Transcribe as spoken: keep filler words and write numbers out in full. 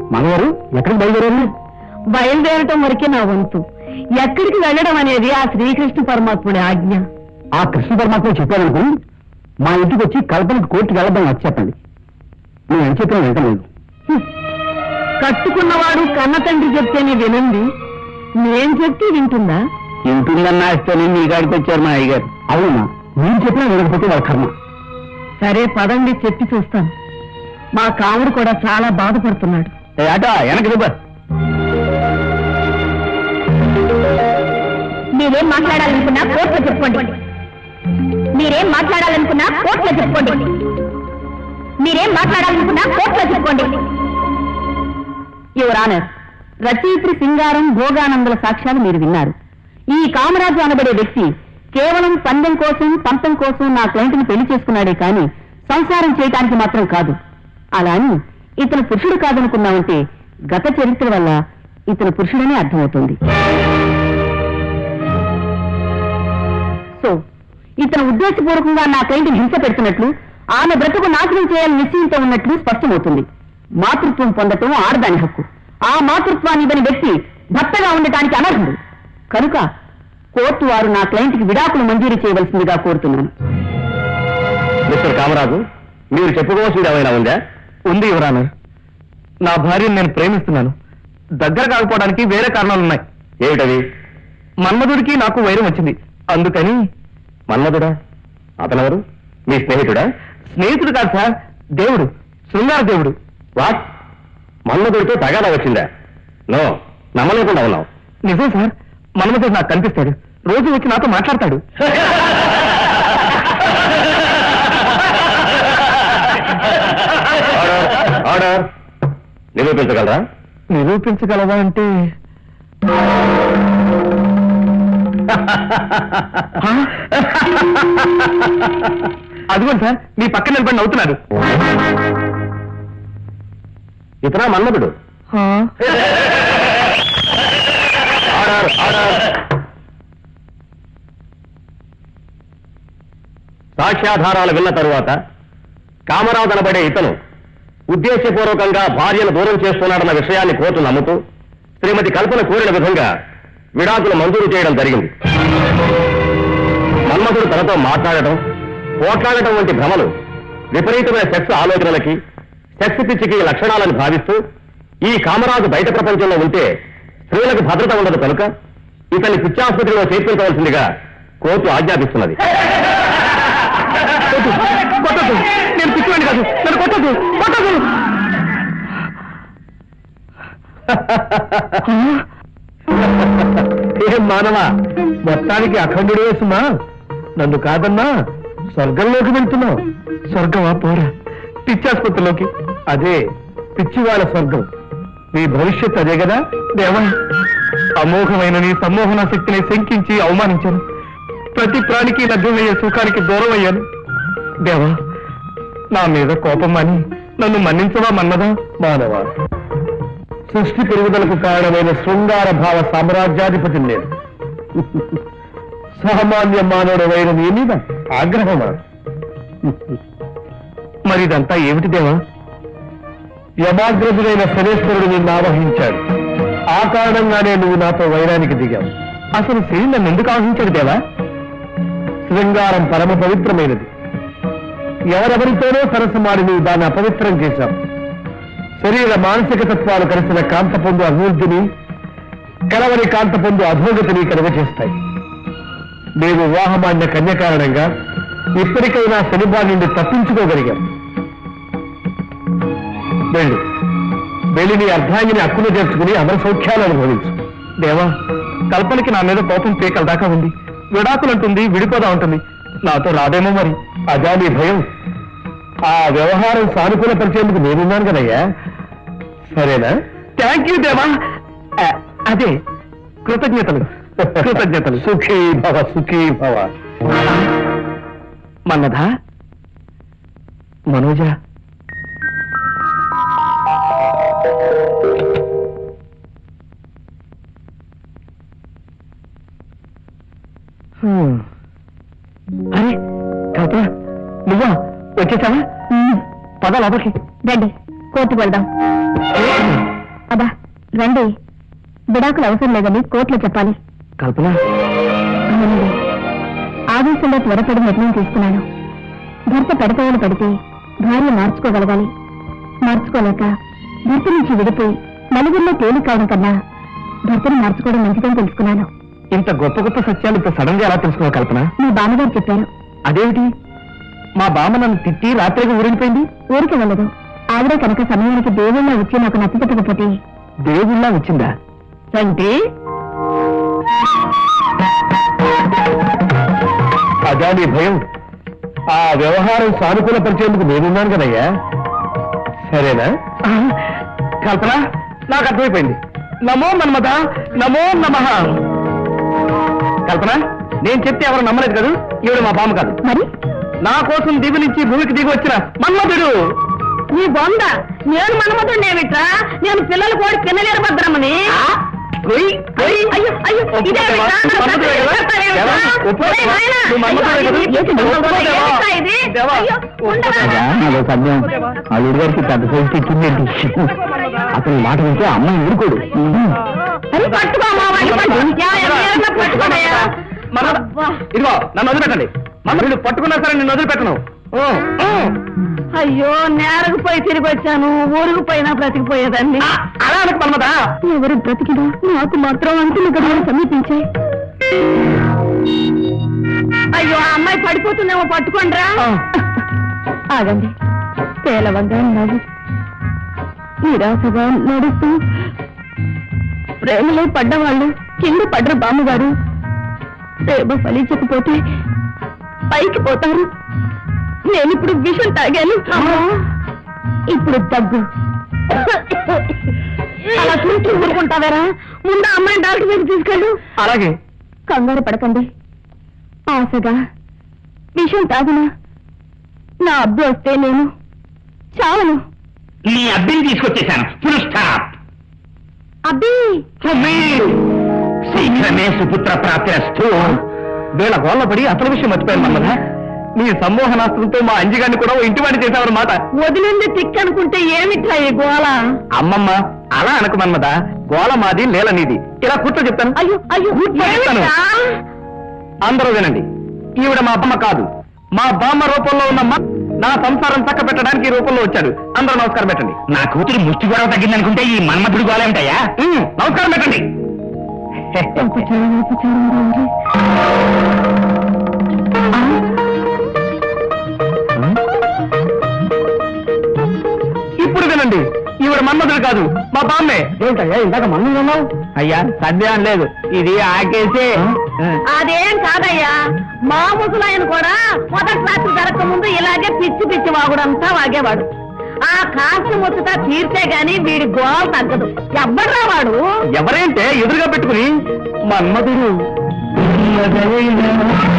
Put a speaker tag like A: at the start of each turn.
A: మనవారు ఎక్కడికి బయలుదేరారు?
B: బయలుదేరటం వరకే నా వంతు. ఎక్కడికి వెళ్ళడం అనేది ఆ శ్రీకృష్ణ పరమాత్ముడి ఆజ్ఞ.
A: ఆ కృష్ణ పరమాత్మ చెప్పారనుకుని మా ఇంటికి వచ్చి కల్పనకి కోర్టుకి వెళ్ళడం వచ్చి చెప్పండి. నేను ఎంత చెప్పినా వింటలేదు.
B: కట్టుకున్నవాడు కన్న తండ్రి చెప్తేనే వినండి, నేను చెప్తే వింటుందా?
A: వింటుందన్నా ఇస్తేనే మీ కాడికి వచ్చారు మా అయ్యగారు. అవునా, మీరు చెప్పినా వినకపోతే వాళ్ళ కర్మ.
B: సరే పదండి, చెప్పి చూస్తాను. మా కాముడు కూడా చాలా బాధపడుతున్నాడు.
A: ఆటో వెనక దిబ్బ.
B: మీరేం మాట్లాడాలనుకున్నా కోర్టులో చెప్పుకోండి. మీరేం మాట్లాడాలనుకున్నా కోర్టులో చెప్పుకోండి. మీరేం మాట్లాడాలనుకున్నా కోర్టులో చెప్పుకోండి. యువర్ ఆనర్, రచయిత్రి సింగారం భోగానందుల సాక్ష్యాలు మీరు విన్నారు. ఈ కామరాజు అనబడే వ్యక్తి కేవలం పందెం కోసం పంతం కోసం నా క్లయింట్ని పెళ్లి చేసుకున్నాడే కానీ సంసారం చేయటానికి మాత్రం కాదు. అలా అని ఇతను పురుషుడు కాదనుకున్నామంటే గత చరిత్ర వల్ల ఇతను పురుషుడనే అర్థమవుతుంది. సో ఇతను ఉద్దేశపూర్వకంగా నా క్లయింట్ని హింస పెడుతున్నట్లు, ఆమె బ్రతుకు నాశనం చేయాలని నిశ్చయంతో ఉన్నట్లు స్పష్టమవుతుంది. మాతృత్వం పొందటం ఆడదాని హక్కు. ఆ మాతృత్వాన్ని ఇవ్వని వ్యక్తి భర్తగా ఉండటానికి అనర్హుడు. కనుక కోర్టు వారు నా క్లయింట్కి విడాకులు మంజూరు చేయవలసిందిగా కోరుతున్నాను.
A: మిస్టర్ కామరాజు, మీరు చెప్పుకోవాల్సింది ఏమైనా ఉందా? ఉంది యువరానర్. నా భార్యను నేను ప్రేమిస్తున్నాను. దగ్గర కాకపోవడానికి వేరే కారణాలున్నాయి. ఏమిటవి? మన్మధుడికి నాకు వైరం వచ్చింది, అందుకని. మన్మధుడా? అతనెవరు? మీ స్నేహితుడా? స్నేహితుడు కాదు సార్, దేవుడు, శృంగార దేవుడు. వాట్? మన్మధుడితో తగాదా వచ్చిందా? నో, నమ్మలేకుండా ఉన్నావు. నిజం సార్, మన్మధుడు నాకు కనిపిస్తాడు, రోజు వచ్చి నాతో మాట్లాడతాడు. ఆర్డర్. నిరూపించగలరా? నిరూపించగలవా అంటే అదిగోండి సార్, మీ పక్కన నిలబడి నవ్వుతున్నారు. ఇతరా మన్మధుడు? Order, order. సాక్ష్యాధారాలు విన్న తరువాత కామరాజు అనబడే ఇతను ఉద్దేశపూర్వకంగా భార్యను దూరం చేస్తున్నాడన్న విషయాన్ని కోర్టు నమ్ముతూ శ్రీమతి కల్పన కోరిన విధంగా విడాకులు మంజూరు చేయడం జరిగింది. మన్మధుడు తనతో మాట్లాడటం, పోట్లాడటం వంటి భ్రమలు విపరీతమైన సెక్స్ ఆలోచనలకి, సెక్స్ పిచ్చికి లక్షణాలను భావిస్తూ ఈ కామరాజు బయట ప్రపంచంలో ఉంటే స్త్రీలకు భద్రత ఉండదు కనుక ఇతన్ని పిచ్చాసుపత్రిలో చేర్పించవలసిందిగా కోర్టు ఆజ్ఞాపిస్తున్నది. నేను పిచ్చివాడిని కాదు, నన్ను కొట్టదు, కొట్టదు. ఏం మానవా, మొత్తానికి అఖండుడు వేసుమా, నన్ను కాదన్నా స్వర్గంలోకి వెళ్తున్నావు. స్వర్గమా పోరా, పిచ్చాసుపత్రిలోకి. అదే పిచ్చివాళ్ళ స్వర్గం. నీ భవిష్యత్ అదే కదా దేవా. అమోఘమైన నీ సమ్మోహన శక్తిని శంకించి అవమానించాను. ప్రతి ప్రాణికి లభ్యమయ్యే సుఖానికి దూరం అయ్యాను. దేవా, నా మీద కోపం అని నన్ను మన్నించవా మన్నదా? మానవా, సృష్టి పెరుగుదలకు కారణమైన శృంగార భావ సామ్రాజ్యాధిపతి నేను. సామాన్య మానవుడు వైన నీ మీద ఆగ్రహమా? మరి ఇదంతా ఏమిటి దేవా? యమాగ్రజుడైన శనేశ్వరుడు నిన్ను ఆవహించాడు. ఆ కారణంగానే నువ్వు నాతో వైరానికి దిగావు. అసలు శని నన్ను ఎందుకు ఆవహించాడు దేవా? శృంగారం పరమ పవిత్రమైనది. ఎవరెవరితోనో సరసమాడి నువ్వు దాన్ని అపవిత్రం చేశావు. శరీర మానసిక తత్వాలు కలిసిన కాంత పొందు అభివృద్ధిని, కలవని కాంత పొందు అధోగతిని కలుగచేస్తాయి. మేము వివాహమాన్య కన్య కారణంగా ఇప్పటికైనా శనిబారి నుండి తప్పించుకోగలిగాం. వెళ్ళు, వెళ్ళి నీ అర్ధాంగిని హక్కును చేర్చుకుని అమర సౌఖ్యాలు అనుభవించు. దేవా, కల్పనకి నా మీద కోపం పీకల దాకా ఉంది. విడాకులంటుంది, విడిపోదా ఉంటుంది. నాతో రాదేమో మరి. అదా నీ భయం? ఆ వ్యవహారం సానుకూల పరిచేందుకు నేనున్నాను కదయ్యా. సరేనా? థ్యాంక్ యూ దేవా. అదే కృతజ్ఞతలు, కృతజ్ఞతలు. సుఖీ భవ, సుఖీ భవ. మన్నదా, మనోజ, అరే కల్ప, నువ్వా వచ్చేసావా? పద లోపలికి. రండి, కోర్టుకు వెళ్దాం.
B: అబ్బా రండి, విడాకులు అవసరం లేదని కోర్టులో చెప్పాలి.
A: కల్పన,
B: అవునండి, ఆవేశంలో త్వరపడి నిర్ణయం తీసుకున్నాను. భర్త పెడతవలు పడితే భార్య మార్చుకోగలగాలి. మార్చుకోలేక భర్త నుంచి విడిపోయి నలుగురిలో తేలి కావడం కన్నా భర్తను మార్చుకోవడం మంచిదని తెలుసుకున్నాను.
A: ఇంత గొప్ప గొప్ప సత్యాలు ఇంత సడన్ గా ఎలా తెలుసుకున్నావు కల్పన?
B: మీ బామ్మగారు చెప్పారు.
A: అదేమిటి? మా బామ్మ నన్ను తిట్టి రాత్రిగా ఊరిపోయింది.
B: ఊరికి వెళ్ళదు. ఆవిడే కనుక సమయానికి దేవుళ్ళ వచ్చి నాకు నచ్చపెట్టకపోతే.
A: దేవుళ్ళ వచ్చిందా?
B: అంటే
A: అదా నీ భయం? ఆ వ్యవహారం సానుకూల పరిచేందుకు నేనున్నాను కదయ్యా. సరేనా? కల్పన, నాకు అర్థమైపోయింది. నమో మన్మథ, నమో నమః. కల్పన, నేను చెప్తే ఎవరు నమ్మలేదు కదా. ఈవిడ మా బామ్మ కాదు.
B: మరి
A: నా కోసం దిగు నుంచి భూమికి దిగి వచ్చిన మన్మథుడు.
B: నీ బొంద, నేను మన్మథుడినేమిట్రా? నేను పిల్లలు కూడా పిన్నలేరు భద్రమ్మని.
A: కొయ్, కొయ్.
B: అయ్యో, అయ్యో, ఇదేమిట్రా?
A: మన్మథుడే కదా?
B: చెప్తావేమిట్రా?
A: దేవా, ఒప్పుకో.
B: ఒరేయ్ నాయనా,
A: నువ్వు మన్మథుడే
B: అయ్యో,
A: కదా?
B: ఏంటి
A: ఒప్పుకో దేవా.
B: ఏమిట్రా ఇది?
A: దేవా,
B: అయ్యో, ఉండరా?
A: అదో సంధ్యం అల్లుడి గారికి పెద్ద సైజు ఇచ్చిందేంటి? అతని మాట వింటే అమ్మాయి ఊరుకోడు.
B: అరే పట్టుకో అమ్మా, వాడిని పట్టు. యా, యా, ఎవరన్నా పట్టుకోనయ్యా. అబ్బా.
A: ఇదిగో నన్ను వదిలిపెట్టండి. మన వీళ్ళు పట్టుకున్నా సరే నేను వదిలిపెట్టను. ఓ, ఓ.
B: అయ్యో, నేరకు పోయి తిరిగి వచ్చాను. ఊరుకు పోయినా బ్రతికిపోయేదాన్ని.
A: ఆ, అలా అనకు మన్మథా.
B: ఎవరు బ్రతికినా నాకు మాత్రం అంటున్న గడువులు సమీపించాయి. అయ్యో, ఆ అమ్మాయి పడిపోతుందేమో, పట్టుకోండిరా.
A: ఆ.
B: ఆగండి. పేలవంగా నవ్వు నిరాశగా నడుస్తూ ప్రేమలో పడ్డవాళ్ళు కింద పడ్డ బామ్మగారు ప్రేమ ఫలించకపోతే పైకి పోతారు. నేనిప్పుడు విషం తాగాను. ఇప్పుడు దగ్గు. అలా చూస్తూ ఊరుకుంటావేరా? ముందు అమ్మాయిని డాక్టర్ దగ్గర తీసుకెళ్ళు.
A: అలాగే.
B: కంగారు పడకండి. ఆశగా విషం తాగినా నా అబ్బు వస్తే నేను చావను.
A: నీ అబ్బిని తీసుకొచ్చేశాను. Full stop.
B: అబ్బి
A: శీఘ్రమే సుపుత్ర ప్రాప్తిరస్తు. వీళ్ళ గోళ్ళ పడి అసలు విషయం మర్చిపోయాను మన్మథ. నీ సమ్మోహనాస్త్రంతో మా అంజిగాన్ని కూడా ఓ ఇంటి వాడి చేశావన్నమాట.
B: వదిలింది తిక్కనుకుంటే ఏమిట్రా ఈ గోళ?
A: అమ్మమ్మ, అలా అనకు మన్మథ. గోళ మాది, నేల నీది. ఇలా కూర్చో చెప్తాను.
B: అయ్యో అయ్యో,
A: కూర్చో చెప్తాను.
B: ఏమిట్రా?
A: అందరూ వినండి. ఈవిడ మా బామ్మ కాదు. మా బామ్మ రూపంలో ఉన్న మా నా సంసారం చక్క పెట్టడానికి ఈ రూపంలో వచ్చాడు. అందరూ నమస్కారం పెట్టండి. నా కూతురు ముష్టి గొడవ తగ్గిందనుకుంటే ఈ మన్మథుడు గోళ ఏమిటయ్యా? నమస్కారం పెట్టండి.
B: ఉపచారం, ఉపచారం రాండి. ఆ,
A: ఇప్పుడు వినండి. ఈవిడ మన్మథుడు కాదు, మా బామ్మే. ఏంటయ్యా ఇందాక మన్మథుడు అన్నావు? అయ్యా సందేహం లేదు, ఇది ఆకేసి.
B: అదేం కాదయ్యా, మా ముసలాయన కూడా మొదటి రాత్రి జరగక ముందు ఇలాగే పిచ్చి పిచ్చి వాగుడంతా వాగేవాడు. ఆ కాస్త ముచ్చట తీర్చే గాని వీడి గోల తగ్గదు. ఎవ్వడ్రా వాడు?
A: ఎవరేంటే ఎదురుగా పెట్టుకుని మన్మథుడు